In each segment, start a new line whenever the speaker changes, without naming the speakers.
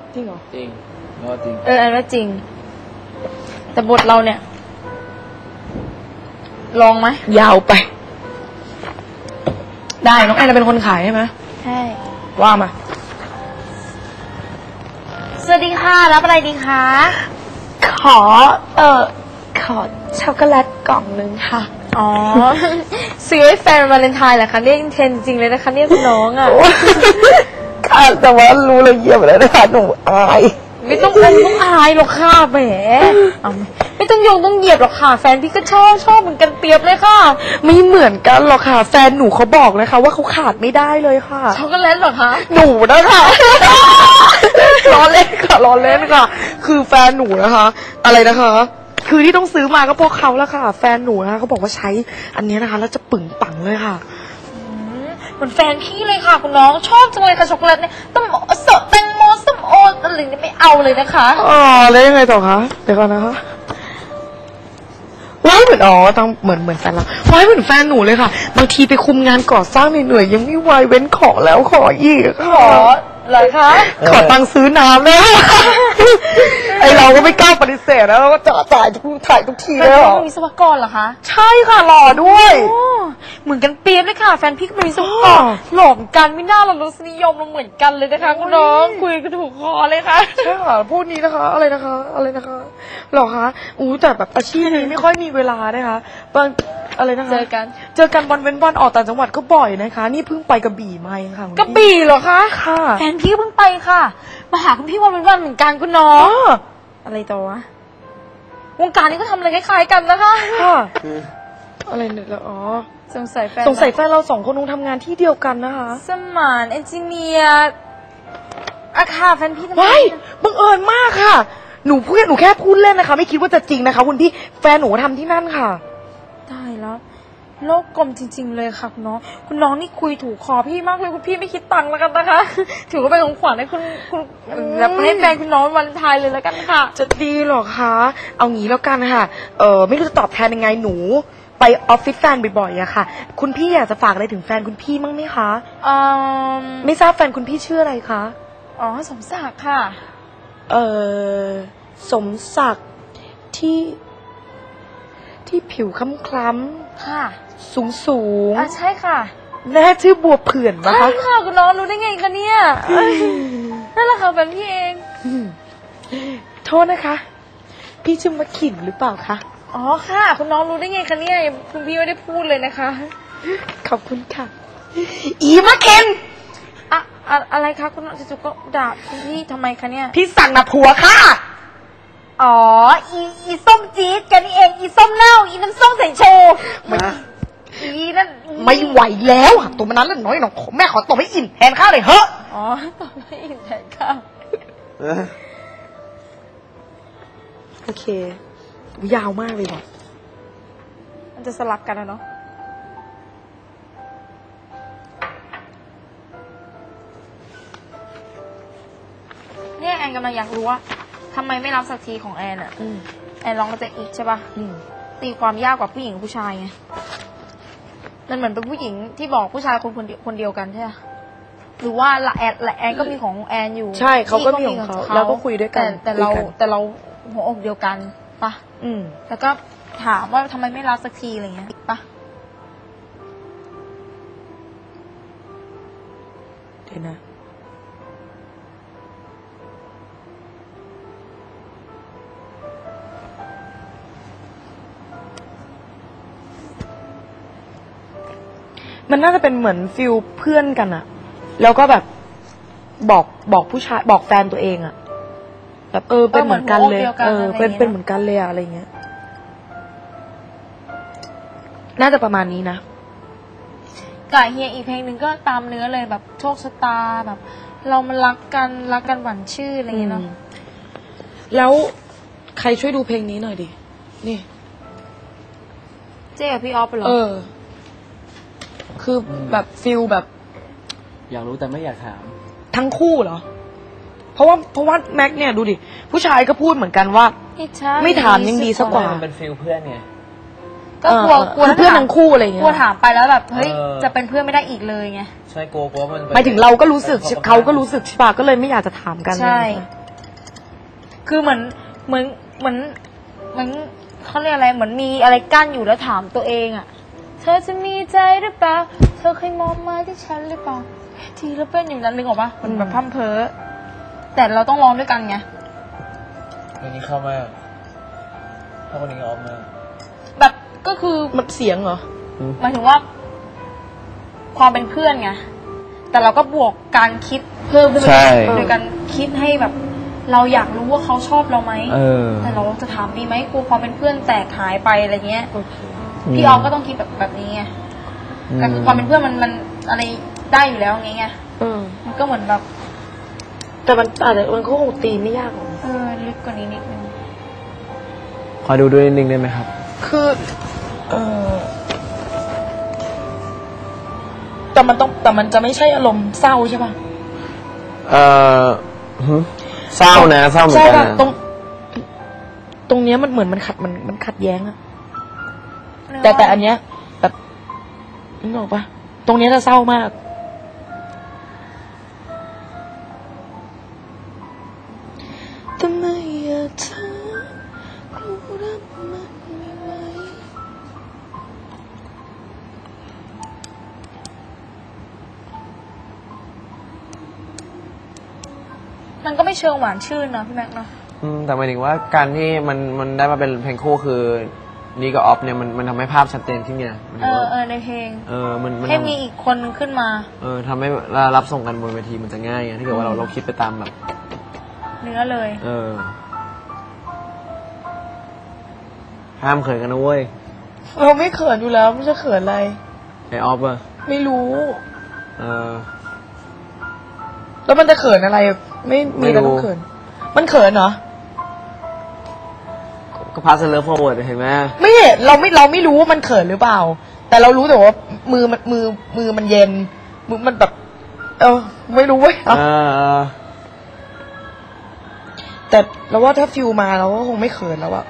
จริงเหรอ
จริงก็จริง
อันว่าจริงแต่บทเราเนี่ยลองไหม
ยาวไปได้น้องแอนเป็นคนขายใช่ไหม
ใช่
ว่ามา
สวัสดีค่ะรับอะไรดีคะ
ขอช็อกโกแลตกล่องนึงค่ะ
อ๋อซื้อให้แฟนวาเลนไทน์เหรอคะเนี่ยเทนจริงเลยนะคะเนี่ยคุณน้องอ่ะ
ค่ะแต่ว่ารู้ละเอียดแล้วนะคะหนูอาย
ไม่ต้องอายหรอกค่ะแหมไม่ต้องต้องเหยียบหรอกค่ะแฟนพี่ก็ชอบเหมือนกันเปรียบเลยค่ะ
ไม่เหมือนกันหรอกค่ะแฟนหนูเขาบอกเลยค่ะว่าเขาขาดไม่ได้เลยค่ะ
ช็อกโกแลตหรอคะ
หนูนะคะล้อเล่นค่ะล้อเล่นค่ะคือแฟนหนูนะคะอะไรนะคะคือที่ต้องซื้อมาก็เพราะเขาแล้วค่ะแฟนหนูนะคะเขาบอกว่าใช้อันนี้นะคะแล้วจะปึ่งปังเลยค่ะ
เหมือนแฟนพี่เลยค่ะคุณน้องชอบจังเลยค่ะช็อกโกแลตเนี่ยต้มสดแตงโมส้มโออะไรเนี่ยไม่เอาเลยนะคะ
อ๋อแล้วยังไงต่อคะเดี๋ยวก่อนนะคะว้ายเหมือนต้องเหมือนแฟนเราว้ายเหมือนแฟนหนูเลยค่ะบางทีไปคุมงานก่อสร้างเหนื่อยยังไม่ไหวเว้นขอแล้วขออีก
ขอเลยคะ
ขอตังค์ซื้อน้ำเลยไอเราก็ไม่กล้าปฏิเสธนะเราก็จ่ายทุกทีเลย
เหรอวิศวกรเหรอคะ
ใช่ค่ะหล่อด้วย
เหมือนกันเปียบเลยค่ะแฟนพี่ก็เป็นวิศวกรหล่อกันไม่น่าเรารสนิยมเราเหมือนกันเลยนะคะคุณน้องคุยกันถูกคอเลยค่ะ
ใช่ค่ะพูดนี้นะคะอะไรนะคะหรอคะแต่แบบอาชีพนี้ไม่ค่อยมีเวลานะคะบางอะไรนะคะเจอกันวันเว้นวันออกต่างจังหวัดก็บ่อยนะคะนี่เพิ่งไปกระบี่มาเองค่ะ
กระบี่เหรอคะ
ค่ะ
แฟนพี่เพิ่งไปค่ะมาหาคุณพี่วันเว้นวันเหมือนกันคุณน้องอะไรต่อวะวงการนี้ก็ทำอะไรคล้ายๆกันนะคะ
ค่ะอะไรเนี่ยสงสัยแฟนเราสองคนคงทำงานที่เดียวกันนะคะ
สมานเอนจิเนียร์ค่ะแฟนพี่ทำไม
บังเอิญมากค่ะหนูแค่พูดเล่นนะคะไม่คิดว่าจะจริงนะคะคุณพี่แฟนหนูทำที่นั่นค่ะ
ได้แล้วโลกกลมจริงๆเลยค่ะคุณน้องนี่คุยถูกคอพี่มากเลยคุณพี่ไม่คิดตังค์แล้วกันนะคะถือว่าเป็นของขวัญให้คุณแบบให้แฟนคุณน้องวันไทยเลยแล้วกันค่ะ
จะดีหรอคะเอางี้แล้วกันค่ะไม่รู้จะตอบแทนยังไงหนูไปออฟฟิศแฟนบ่อยๆอะค่ะคุณพี่อยากจะฝากอะไรถึงแฟนคุณพี่มั้งไหมคะไม่ทราบแฟนคุณพี่ชื่ออะไรคะ
สมศักดิ์ค่ะ
สมศักดิ์ที่ผิวคล้ำๆ
ค่ะ
สูง
ใช่ค่ะ
แม่ชื่อบัวเผื่อนปะคะ
ใช่ค่ะคุณน้องรู้ได้ไงคะเนี่ยนั่นแหละค่ะแฟนพี่เอง
โทษนะคะพี่ชื่อมะขินหรือเปล่าคะ
ค่ะคุณน้องรู้ได้ไงคะเนี่ยคุณพี่ไม่ได้พูดเลยนะคะ
ขอบคุณค่ะอีมะเข็น
อะไรคะคุณน้องจู่ๆก็ด่าคุณพี่ทำไมคะเนี่ย
พี่สั่งนะผัวค่ะ
อีส้มจี๊ดกันนี่เองอีส้มเน่าอีน้ำส้มใส่โชว์อีนั่น
ไม่ไหวแล้วหักตัวมันนั้นแล้วน้อยหนองแม่ขอตบให้อิ่มแทนข้าวเลยเฮ้
ตบให้อิ่มแทนข้าว
โอเคยาวมากเลยว่ะ
มันจะสลับกันนะเนาะเนี่ยแอนกำลังอยากรู้ว่าทำไมไม่รับสักทีของแอนอ่ะแอนลองจะอีกใช่ป่ะตีความยากกว่าผู้หญิงกับผู้ชายไงมันเหมือนเป็นผู้หญิงที่บอกผู้ชายคนเดียวกันใช่ไหมหรือว่าละแอนก็มีของแอนอยู่
ใช่เขาก็มีของเขาแล้วก็คุยด้วยกัน
แต่เราหัวอกเดียวกันปะแล้วก็ถามว่าทำไมไม่รับสักทีอะไรเงี้ยปะ
เดี๋ยวนะมันน่าจะเป็นเหมือนฟิลเพื่อนกันอะแล้วก็แบบบอกผู้ชายบอกแฟนตัวเองอะแบบเป็นเหมือนกันเลยเป็นเหมือนกันเลยอะอะไรเงี้ยน่าจะประมาณนี้นะ
กับเฮียอีกเพลงหนึ่งก็ตามเนื้อเลยแบบโชคชะตาแบบเรามันรักกันหวานชื่ออะไรเงี้ยเนาะ
แล้วใครช่วยดูเพลงนี้หน่อยดินี่
เจ๊กับพี่ออฟเหรอ
คือแบบฟิลแบบ
อยากรู้แต่ไม่อยากถาม
ทั้งคู่เหรอเพราะว่าแม็กเนี่ยดูดิผู้ชายก็พูดเหมือนกันว่าไม่ถามยังดีสักกว่า
มันเป็นฟิลเพื่อนไง
ก็กลัว
เพื่อนทั้งคู่อะไรเงี้ย
กลัวถามไปแล้วแบบเฮ้ยจะเป็นเพื่อนไม่ได้อีกเลยไง
ใช่กลัวมัน
หมายถึงเราก็รู้สึกเขาก็รู้สึกใช่ป่ะก็เลยไม่อยากจะถามกัน
ใช่คือเหมือนเขาเรียกอะไรเหมือนมีอะไรกั้นอยู่แล้วถามตัวเองอะเธอจะมีใจหรือเปล่าเธอเคยมองมาที่ฉันหรือเปล่าทีแล้วเป็นอย่างนั้นนึกออกปะมันแบบพร่ำเพ้อแต่เราต้องร้องด้วยกันไง
เพลงนี้เข้ามากเข้าคนนี้ออฟมาก
แบบก็คือ
มันเสียงเหรอ
หมายถึงว่า ความเป็นเพื่อนไงแต่เราก็บวกการคิดเพิ่มขึ้นไปโดยการคิดให้แบบ เราอยากรู้ว่าเขาชอบเราไหมแต่เราจะถามดีไหมกลัวความเป็นเพื่อนแตกหายไปอะไรเงี้ยพี่ออฟก็ต้องคิดแบบนี้ไงแต่คือความเป็นเพื่อนมันอะไรได้อยู่แล้วไงมันก็เหมือนแบบ
แต่มันอาจจะมันก็คงตีไม่ยากหรอก
ลึกกว่านี้นิดนึง
ขอดูด้วยนิดนึงได้ไหมครับ
คือแต่มันจะไม่ใช่อารมณ์เศร้าใช่ป่ะ
เศร้านะเศร้าเหมือนกันนะ
ตรงเนี้ยมันเหมือนมันขัดแย้งอะแต่อันเนี้ยแบบนึกออกปะตรงเนี้ยจะเศร้ามากทำไมอะเธอรู้รักมันไม่ไหว
มันก็ไม่เชิงหวานชื่นนะพี่แม็กซ์เนาะ
แต่หมายถึงว่าการที่มันได้มาเป็นเพลงคู่คือนี่กับออฟเนี่ยมันทำให้ภาพชัดเจนขึ้นไงมัน
ในเพลง
มัน
ให้มีอีกคนนึงขึ้นมา
ทำให้รับส่งกันบนเวทีมันจะง่ายไงถ้าเกิดว่าเราคิดไปตามแบบ
เนื้อเลย
ห้ามเขินกันนะเว้ย
เราไม่เขินอยู่แล้วไม่ใช่เขินอะไร
ไอออฟอะ
ไม่รู้
เออ
แล้วมันจะเขินอะไร ไม่มีอะไรต้องเขิน มันเขินเหรอ
ก็พาสเลิฟฟอร์เวิร์ดเห็นไหม
ไม่เห็นเราไม่รู้ว่ามันเขินหรือเปล่า แต่เรารู้แต่ว่ามือมันเย็นมือมันแบบ ไม่รู้เว้ยแต่เราว่าถ้าฟิลมาเราก็คงไม่เขินแล้วอะ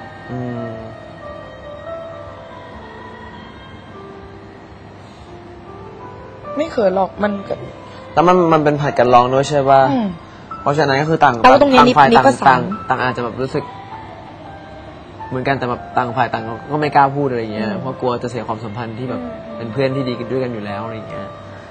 ไม่เขินหรอกมันก็
แล้วมันเป็นผัดกันร้องด้วยใช่ป่ะเพราะฉะนั้นก็คือต่าง
แต่ว่าตรงนี้
ฝ่าย
นี่ก็
ต่างอาจจะแบบรู้สึก เหมือนกันแต่แบบต่างฝ่ายต่างก็ไม่กล้าพูดอะไรอย่างเงี้ยเพราะกลัวจะเสียความสัมพันธ์ที่แบบเป็นเพื่อนที่ดีกันด้วยกันอยู่แล้วอะไรอย่างเงี้ย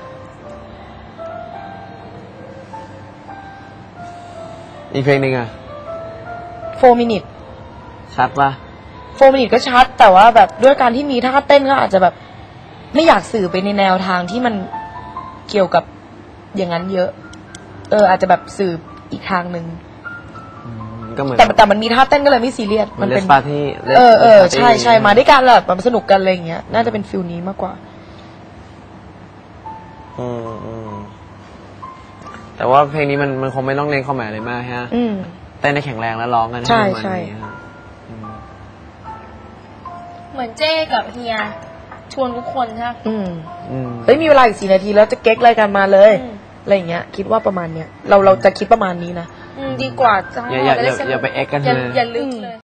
อีกเพลงหนึ่งอะ
4 minute
ชัดป่ะ
4 minute ก็ชัด แต่ว่าแบบด้วยการที่มีท่าเต้นก็อาจจะแบบ ไม่อยากสื่อไปในแนวทางที่มันเกี่ยวกับอย่างนั้นเยอะ อาจจะแบบสื่ออีกทางหนึ่ง
ก็เหมือน
แต่มันมีท่าเต้นก็เลยไม่ซีเรียส
มันเป็นปาร์ตี้
ใช่มาด้วยกันแบบสนุกกันอะไรอย่างเงี้ยน่าจะเป็นฟิลนี้มากกว่า
แต่ว่าเพลงนี้มันคงไม่ต้องเน้นความหมายอะไรมากฮะเต้นได้แข็งแรงแล้วร้องกัน
ใช่
เหมือนเจ้กับเฮียชวนทุกคนใช่ไหม
มีเวลาอีก4 นาทีแล้วจะเก๊กรายการมาเลยอะไรอย่างเงี้ยคิดว่าประมาณเนี้ยเราจะคิดประมาณนี้นะ
ดีกว่าจะ
อย่าไปเอ็กกันเลย
อย่าลึกเลย